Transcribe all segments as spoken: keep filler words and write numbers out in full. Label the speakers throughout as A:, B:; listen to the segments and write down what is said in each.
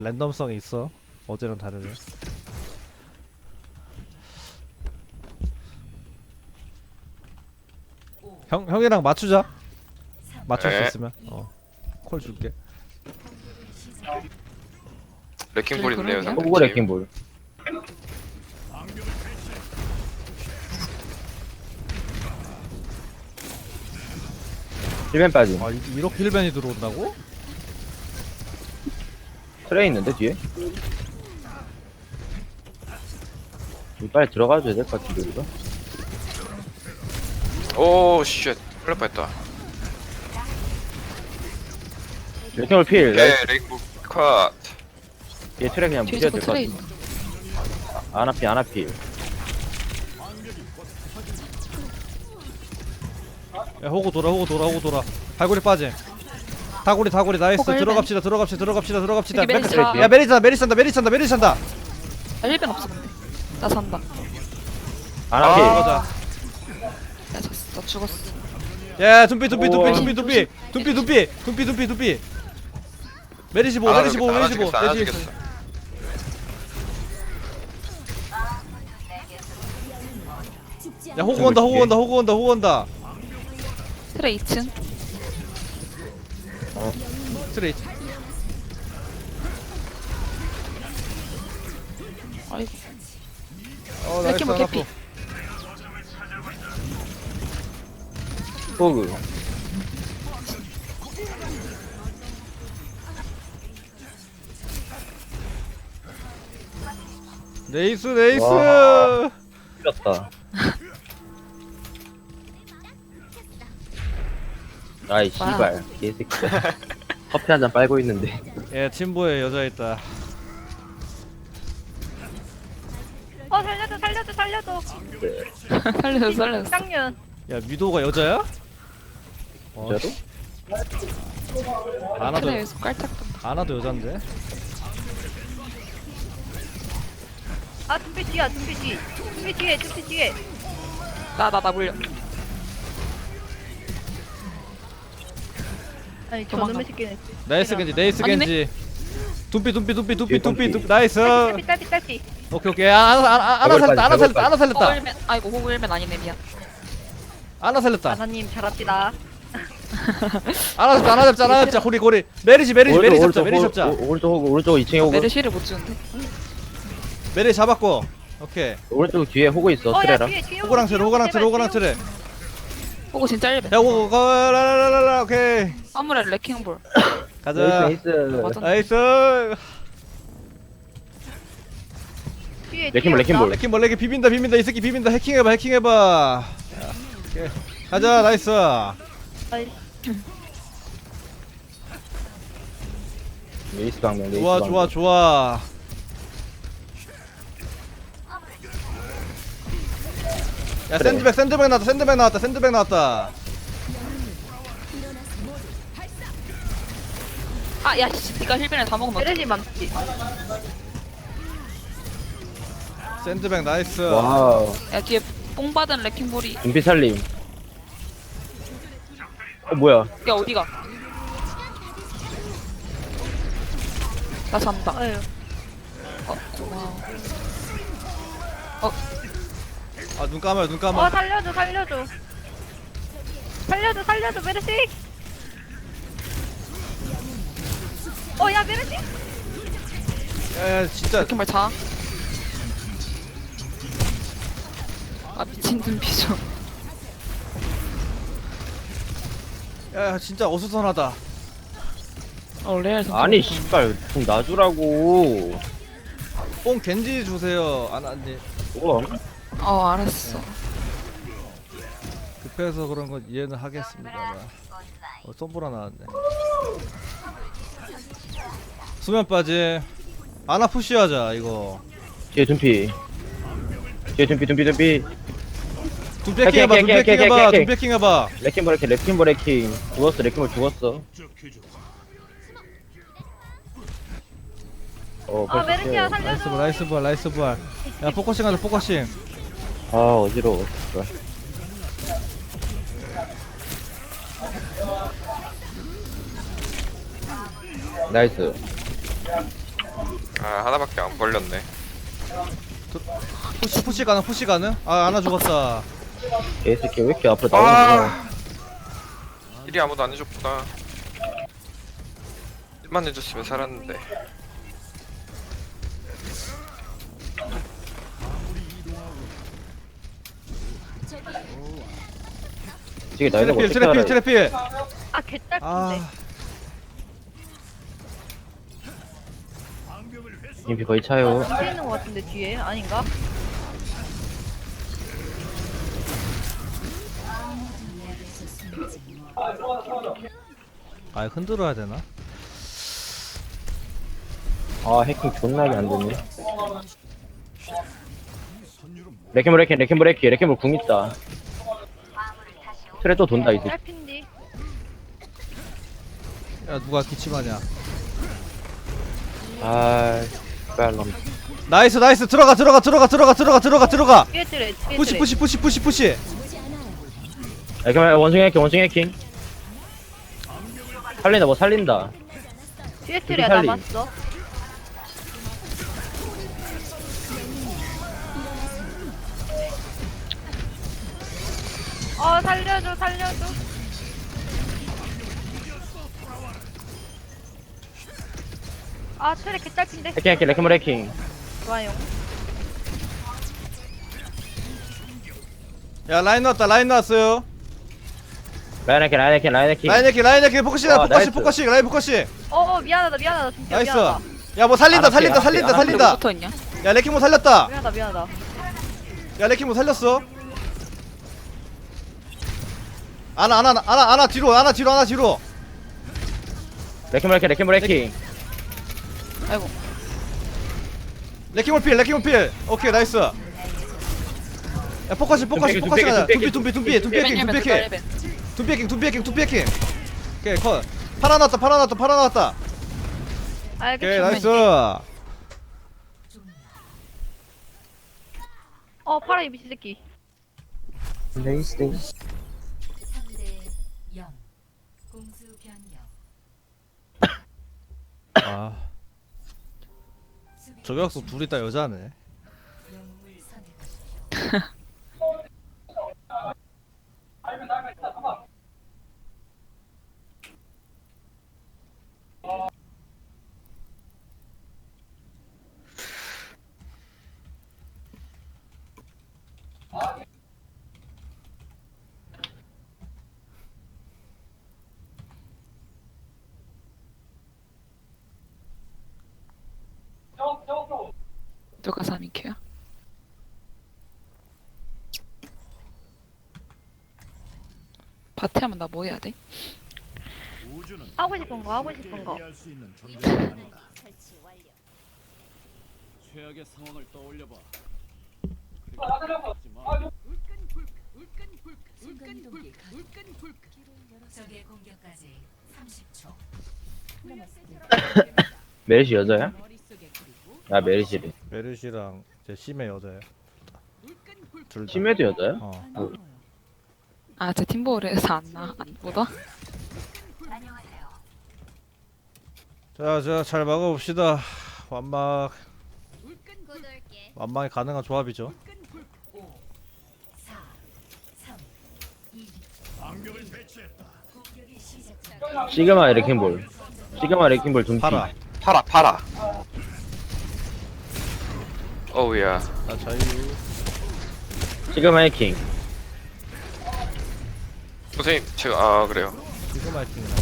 A: 랜덤성이 있어. 어제랑 다르네. 형 형이랑 맞추자. 맞출 수
B: 네.
A: 있으면. 어. 콜 줄게.
B: 레킹볼 있네요.
C: 그러게요.
B: 상대
D: 호구
B: 팀.
D: 레킹볼. 힐벤 빠짐.
A: 아 이- 이렇게 힐벤이 들어온다고?
D: 트레이 있는데 뒤에? 이거 빨리 들어가줘야 될 것 같은데 우리가?
B: 오 쉣. 큰일 날 뻔했다.
D: 레킹볼 필.
B: 네, 레킹볼 컷.
D: 얘 트레이 그냥
C: 뒤에
D: 무시해도
C: 자꾸
D: 될 것
C: 트레이
D: 같은데. 아나필 아나필.
A: 야 호구 돌아 호구 돌아 호구 돌아. 발골이 빠짐. 다구리 다구리 나이스.
C: 호구 힐벤.
A: 들어갑시다 들어갑시다 들어갑시다 들어갑시다.
C: 여기 메리스
A: 메-
C: 다-
A: 야 메리스 산다 메리스 산다 메리스 산다 메리스 산다.
C: 나 힐벤 없어 근데 나 산다.
D: 아나필.
B: 아.
A: 가자.
C: 야 졌어. 나 죽었어.
A: 야 둠피 둠피 둠피
D: 우와.
A: 둠피 둠피 둠피 둠피 둠피 둠피 둠피. 메리시 보 메리시 보 메리시 보.
B: 안
A: 내 뒤에
B: 하겠어.
A: 있어. 야 호구 온다 호구 온다 호구 온다 호구 온다.
C: 트레이 이 층.
A: 스트레이트.
C: 아이고.
A: 어
C: 이렇게
A: 나이스
C: 뭐
A: 하나
C: 개피.
A: 또.
D: 호그.
A: 네이스 네이스.
D: 와. 틀렸다. 아이 씨발 개새끼. 커피 한 잔 빨고 있는데.
A: 예 팀보에 여자 있다.
E: 어 살려줘 살려줘 살려줘
C: 살려줘 살려줘.
E: 쌍년
A: 야 미도가 여자야? 어,
D: 진짜로?
A: 아나도
C: 트레이에서 깔짝 던다.
A: 아나도 여잔데.
E: 아 둠비 뒤야 둠비 뒤 둠비 뒤에 둠비 뒤에
C: 나나 나 물려.
E: 아니
C: 도망가.
E: 저놈의 새끼는
A: 나이스 겐지 네이스
C: 아니네?
A: 겐지. 둠피 둠피 둠피 둠피
D: 뒤에
A: 둠피
D: 둠피.
A: 둠피 나이스.
E: 딸피 딸피 딸피
A: 오케이 오케이. 아, 아나 아나 아나
D: 더블
A: 살렸다 아나
D: 빠지,
A: 살렸다 아나
C: 호구
A: 살렸다
C: 힐벤. 아이고 호구 힐벤 아니네 미안.
A: 아나 살렸다
E: 아나님 잘합시다
A: 아나 잡자 아나 잡자 아나 잡자 고리 고리. 메리시 메리시 메리 잡자 메리 잡자.
D: 오- 오른쪽 호그 오른쪽 이 층에 호그.
C: 메르시를 못 주는데.
A: 메리 잡았고. 오케이.
D: 오른쪽 뒤에 호그 있어
E: 어야
D: 트레라.
E: 뒤에 뒤에
A: 호구랑 트레 호구랑 트레 호구랑
E: 제발,
A: 트레.
C: 호구 진짜 힐벤.
A: 야 호구 가라라라라 오케이.
C: 아무래 레킹볼.
A: 가자.
D: 나이스 나이스.
C: 맞아.
A: 나이스.
E: 뒤에
D: 레킹볼,
E: 뒤에
D: 레킹볼.
E: 없다.
A: 레킹 벌레게 비빈다 비빈다 이 새끼 비빈다 해킹해봐 해킹해봐. 야, 오케이. 가자 나이스.
E: 아이,
D: 레이스 방면 레이스
A: 좋아
D: 방면.
A: 좋아 좋아. 야
D: 그래.
A: 샌드백 샌드백 나왔다 샌드백 나왔다 샌드백 나왔다.
C: 아야 씨. 네가 힐벤을 다 먹으면 어떡해.
E: 메르시 맘치
A: 샌드백 나이스.
D: 와우.
C: 야 뒤에 뽕 받은 레킹볼이.
D: 눈빛 살림. 어 뭐야?
C: 야 어디가? 나 잔다.
E: 아유
C: 어 고마워.
A: 아 눈 감아요 눈
E: 어
A: 감아.
E: 살려줘 살려줘 살려줘 살려줘 메르시 어야 메르시
A: 야야 진짜.
C: 레킹볼 자. 아 미친 눈비죠.
A: 야 진짜 어수선하다.
C: 어 레알 선수.
D: 아니 씨발 좀 놔주라고.
A: 뽕 겐지 주세요. 안 안돼.
D: 뭐?
C: 어 알았어.
A: 급해서 그런 건 이해는 하겠습니다만. 어 썸보라 나왔네. 수면 빠지. 아나 푸시하자 이거.
D: 뒤에 둠피. 뒤에 둠피 둠피 둠피.
A: 둠패킹 해봐
D: 오케이, 오케이,
A: 둠패킹
D: 오케이,
A: 해봐
D: 오케이, 오케이.
A: 둠패킹 해봐.
D: 레킹볼 레킹 레킹볼 레킹. 죽었어 레킹볼 죽었어. 어
E: 아
D: 벌써
E: 메르시야
D: 깨.
A: 나이스
E: 살려줘
A: 볼 나이스 볼 나이스 볼. 야 포커싱 하자 포커싱.
D: 아 어지러워. 씨발. 나이스.
B: 아 하나밖에 안 걸렸네.
A: 푸시 푸시 가능 푸시 가능? 아 하나 죽었다.
D: 개새끼 왜 이렇게 앞으로 나오는 거야?
B: 아 일이 아무도 안 해줬구나. 일만 해줬으면 살았는데.
D: 지금 나이는 거
A: 트래필
D: 어떻게
A: 트래필
D: 알아?
A: 트래필.
E: 아 개딸핀데.
A: 아
D: 인피 거의 차요.
E: 뒤에 있는 것 같은데 뒤에 아닌가?
A: 아 흔들어야 되나?
D: 아 해킹 존나게 안 됐네. 레켓볼 레켓 레켓볼 레켓 레켓볼 궁 있다. 트레 또 돈다 이제.
E: 딸핀디.
A: 야 누가 기침하냐?
D: 아 빨람.
A: 나이스 나이스 들어가 들어가 들어가 들어가 들어가 들어가 들어가.
E: 뒤에 트레 뒤에
A: 푸시
E: 트레.
A: 푸시 푸시 푸시 푸시.
D: 레켓볼 원숭이 해킹 원숭이 해킹. 살린다 뭐 살린다.
E: 뒤에 트레
D: 살리.
E: 남았어. 어 살려줘 살려줘. 아 트레 개딸핀데.
D: 해킹 해킹 레켓볼 해킹.
E: 좋아요.
A: 야 라인 나왔다 라인 나왔어요.
D: 라인 해킹 라인 해킹 라인 해킹.
A: 라인 해킹 라인 해킹 포커싱
D: 아,
A: 포커싱
D: 나이스.
A: 포커싱 라인 포커싱.
E: 어어 미안하다 미안하다 진짜
A: 나이스.
E: 미안하다.
A: 야 뭐 살린다
D: 안
A: 살린다
D: 할게,
A: 살린다
D: 안 할게,
A: 살린다.
C: 붙어있냐?
A: 야 레킹 뭐 살렸다.
E: 미안하다 미안하다.
A: 야 레킹 뭐 살렸어. 아나 아나 아나 아나 뒤로 아나 뒤로 아나 뒤로.
D: 레켓볼 해킹 레켓볼 해킹.
C: 아이고.
A: 레킹 필 레킹 필. 오케이 나이스. 야 포커싱 포커싱
D: 둠피기,
A: 포커싱 하자.
D: 둠피기,
A: 둠피 둠피 둠피 둠피 해킹 둠피 해킹.
C: 레벨.
A: 둠피 해킹 둠피 해킹 둠피 해킹. 오케이 컷. 팔아 나왔다 팔아 나왔다 팔아 나왔다. 오케이
E: 알겠어.
A: 나이스.
E: 어 파라 이 미친 새끼.
D: 레이스.
F: 삼 대 영 공수 변경
A: 아 저격수 둘이 다 여자네.
F: 영웅을 선택하십시오.
C: 누가 삼 인큐야? 바티 하면 나 뭐 해야 돼?
E: 하고 싶은 거 하고 싶은 거.
G: 최악의 상황을 떠올려봐. 그리고 하지 마.
F: 적의 공격까지 삼십 초.
D: 메리시 여자야? 아 메리시래.
A: 메르시랑 제 심해 여자야. 둘 다.
D: 심해도 여자야?
A: 어.
C: 아, 제 팀볼에서 안 나, 안 묻어?
A: 자, 자, 잘 막아봅시다. 완막. 완막이 가능한 조합이죠.
F: 사, 삼, 이. 공격이 시작됩니다.
D: 시그마 레킹볼. 시그마 레킹볼 둠피.
A: 팔아.
B: 팔아 팔아. 어우야.
A: 나 자유.
D: 시그마 해킹.
B: 선생님 제가 아 그래요.
A: 지금 할킹이나.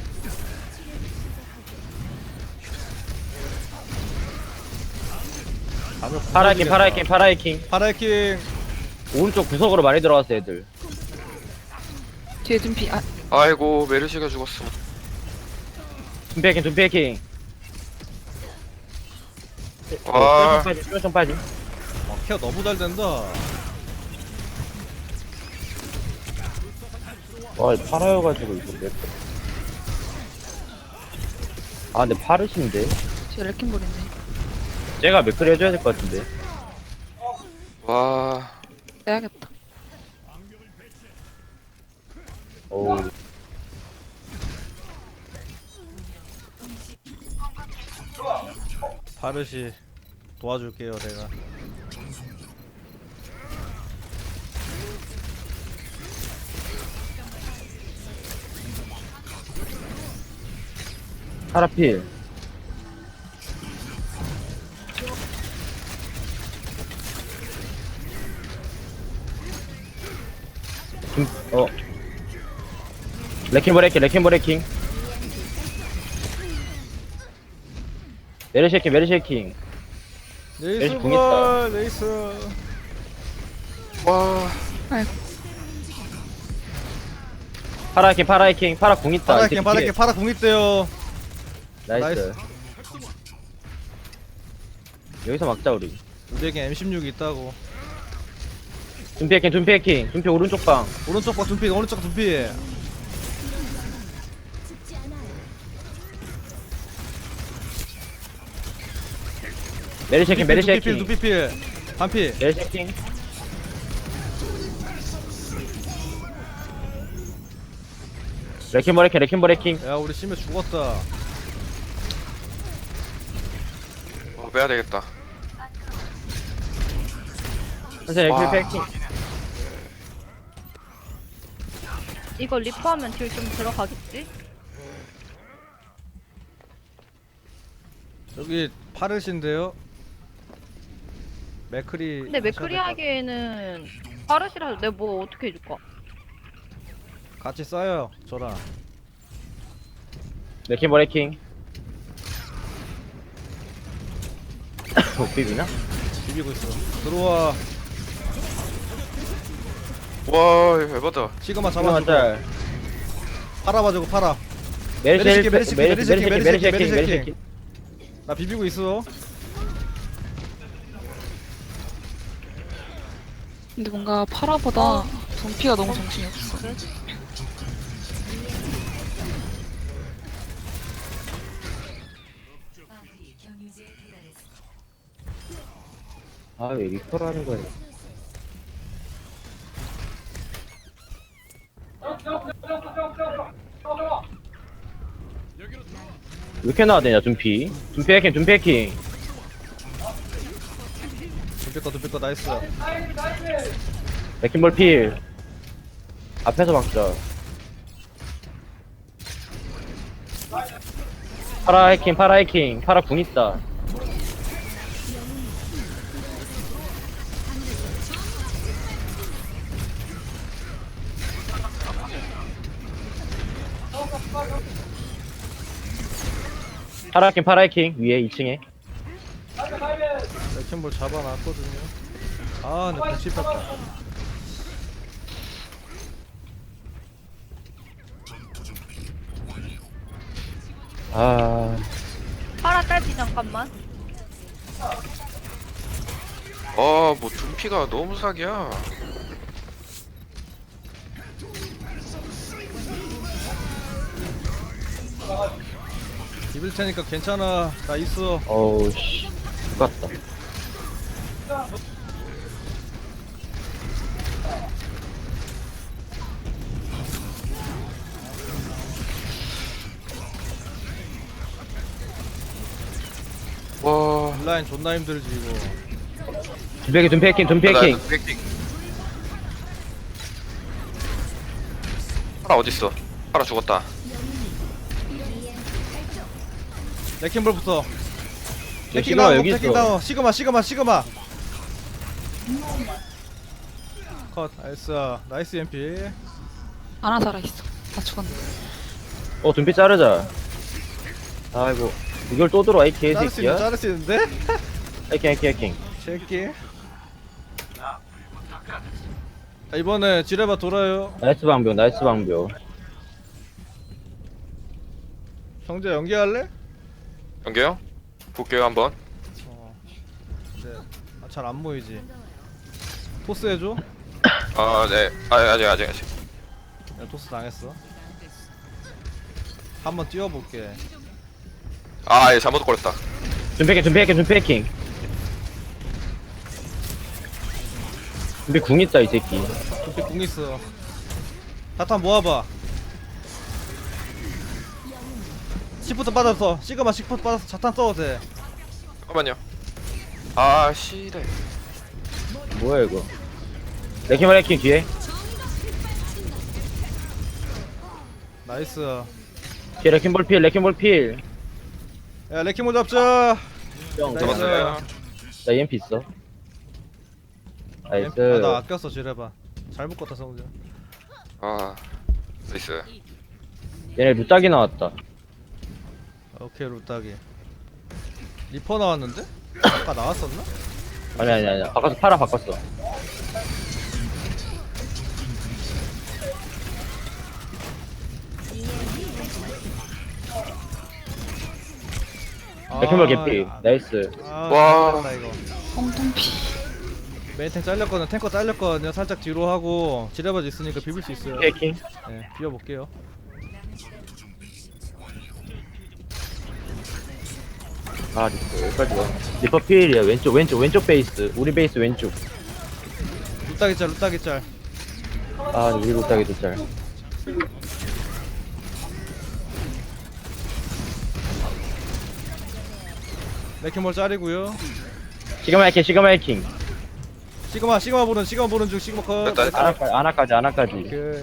D: 파라 해킹 파라 해킹 파라 해킹.
A: 파라이킹.
D: 오른쪽 구석으로 많이 들어왔어 애들.
C: 뒤에 둠피, 아,
B: 아이고 메르시가 죽었어.
D: 둠피 해킹 둠피 해킹.
B: 와.
D: 좀 빠지 좀 빠지.
A: 어, 케어 너무 잘 된다.
D: 와 파라여가지고 이거 몇. 아 근데 파르신데.
C: 뒤에 레킹볼인데.
D: 제가 맥크리 해줘야 될 것 같은데.
B: 와.
C: 빼야겠다.
D: 오.
A: 파르시 도와줄게요 내가.
D: 파라필. 김, 어. 레킹 브레이킹, 레킹 브레이킹. 메르시 해킹, 메르시 해킹.
A: 네이스
D: 레이스 궁 있다.
A: 볼 네이스.
B: 와
D: 파라 해킹, 파라 해킹, 파라 궁 있다.
A: 파라
D: 이 새끼
A: 킹 파라
D: 뒤에.
A: 킹 파라 공 있대요.
D: 나이스.
A: 나이스.
D: 여기서 막자 우리.
A: 우리에게 엠 십육 있다고.
D: 둠피 해킹, 둠피 해킹. 둠피 오른쪽 방.
A: 오른쪽 봐 둔피 오른쪽 둔피.
D: 메르시 해킹, 메르시
A: 둔피 필
D: 해킹.
A: 둔피 필. 반피.
D: 메르시 해킹. 레킹 버레킹, 레킹 버레킹.
A: 야 우리 심해 죽었다.
B: 어, 빼야 되겠다.
D: 선생님
B: 와.
D: 레킹 해킹.
E: 이거 리퍼하면 딜 좀 들어가겠지?
A: 여기 파르신데요. 맥크리.
E: 근데 맥크리 하기에는 파르시라도 내가 뭐 어떻게 해줄까?
A: 같이 싸요 저랑.
D: 레킹 버레킹. 못 비비나?
A: 비비고 있어. 들어와.
B: 와 에바다.
A: 시그마
D: 잠깐만
A: 잡아주고.
D: 짤.
A: 팔아 봐주고 팔아.
D: 메르시
A: 메르시
D: 해킹,
A: 메르시
D: 메르시
A: 메르시
D: 해킹, 메르시 해킹,
A: 메르시
D: 메르시
A: 해킹.
D: 해킹.
A: 나 비비고 있어.
C: 근데 뭔가 파라보다 덤피가 너무 정신이 없어.
F: 마무리 경유지에 도달했습니다.
D: 아, 왜 리퍼를 하는 거야? 왜 이렇게 나와야 되냐, 둠피? 둠피 해킹, 둠피 해킹.
A: 둔피 거 둔피 거 나이스.
D: 레킹볼 필. 앞에서 막자. 파라 해킹, 파라 해킹. 파라 궁 있다. 파라 해킹, 파라 해킹. 위에 이 층에.
A: 레킹볼 잡아놨거든요. 아 근데 불치 뺐다.
D: 아,
E: 파라 딸피 잠깐만.
B: 아뭐 둔피가 너무 사기야.
A: 비빌 테니까 괜찮아. 나 있어.
D: 어우, 씨. 죽었다.
B: 와.
A: 인라인 존나 힘들지 이거.
D: 둠피 해킹, 둠피 해킹, 둠피
B: 나
D: 해킹.
B: 브레이킹. 파라 어딨어? 파라 죽었다.
A: 레킹볼부터.
D: 여기 시그마 여기
A: 레킹
D: 있어.
A: 다운. 시그마 시그마 시그마. 컷. 나이스. 나이스 엠피.
C: 아나 살아있어. 나 죽었네.
D: 어, 둠피 자르자. 아이고. 이걸 또 들어와, 이
A: 자를 수 있는
D: 개새끼야?
A: 자를 수 있는데?
D: 해킹, 해킹, 해킹.
A: 새끼. 자, 이번에 지레바 돌아요.
D: 나이스 방벽, 나이스 방벽.
A: 형제 연기할래?
B: 연계요? 볼게요 한번.
A: 어. 네. 아, 잘 안 보이지. 토스 해줘.
B: 아 네. 아 아직 아직 아직.
A: 야, 토스 당했어. 한번 뛰어볼게.
B: 아 예, 잘못 걸렸다.
D: 둠피 해킹, 둠피 해킹, 둠피 해킹. 둠피 궁 있다, 이 새끼.
A: 도피 궁 있어. 자탄 모아봐. 시프트 빠졌어. 시그마 시프트 빠졌어. 자탄 써도 돼.
B: 잠깐만요. 아 씨래.
D: 뭐야 이거? 레킹볼 레킹 뒤에.
A: 나이스.
D: 뒤에 레킹볼 필 레킹볼 필.
A: 야 레키모 잡자.
D: 형,
A: 나이스.
B: 잡았어요.
D: 나 이엠피 있어. 나이스.
A: 아, 나 아꼈어 지뢰봐. 잘 묶었다 성우자.
B: 아 나이스.
D: 얘네 루딱이 나왔다.
A: 오케이 루따기. 리퍼 나왔는데? 아까 나왔었나?
D: 아니 아니 아니. 바꿔서 팔아 바꿨어. 레킹볼 개피.
A: 아,
D: 나이스.
A: 아,
B: 와.
A: 잘했다, 이거.
C: 엉뚱피.
A: 메인탱 잘렸거든. 탱커 잘렸거든요. 살짝 뒤로 하고 지뢰바지 있으니까 비빌 수 있어요.
D: 해킹.
A: 네, 비워볼게요.
D: 아 리퍼 여기까지 와. 리퍼 필이야. 왼쪽 왼쪽 왼쪽 베이스. 우리 베이스 왼쪽.
A: 루따기 짤, 루따기 짤.
D: 아 우리 루딱이도 짤.
A: 레키몰 짤이고요.
D: 시그마 해킹 시그마 해킹.
A: 시그마, 시그마 보는, 시그마 보는 중, 시그마 컷.
B: 됐다, 됐다.
D: 아나까지 아나까지 아나까지.
A: 오케이.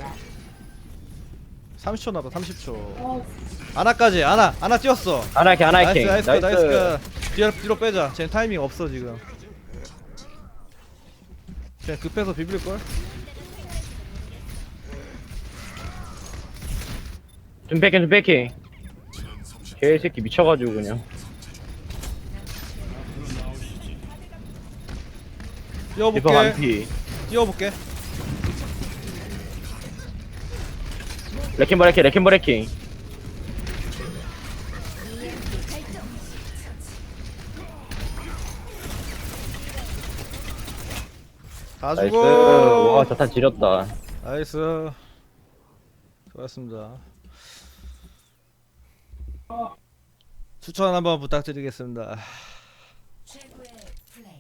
A: 삼십 초 남았다, 삼십 초. 아나까지, 아나, 아나 뛰었어.
D: 아나 해킹 아나
A: 나이스,
D: 해킹.
A: 나이스, 나이스. 나이스. 뒤로, 뒤로 빼자. 쟤 타이밍 없어 지금. 그냥 급해서 비빌 걸.
D: 좀 패킹 좀 패킹. 개새끼 미쳐가지고 그냥. 리퍼
A: 뛰어볼게.
D: 반피.
A: 뛰어볼게.
D: 레킹볼 해킹 레킹볼 해킹.
A: 다
D: 나이스.
A: 죽어.
D: 와 자탄 지렸다.
A: 나이스. 좋았습니다. 추천 한번 부탁드리겠습니다.
F: 최고의 플레이.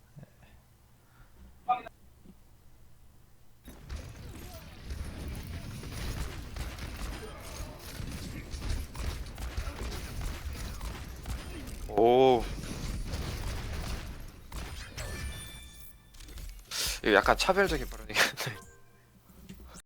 B: 오. 이거 약간 차별적인 발언이.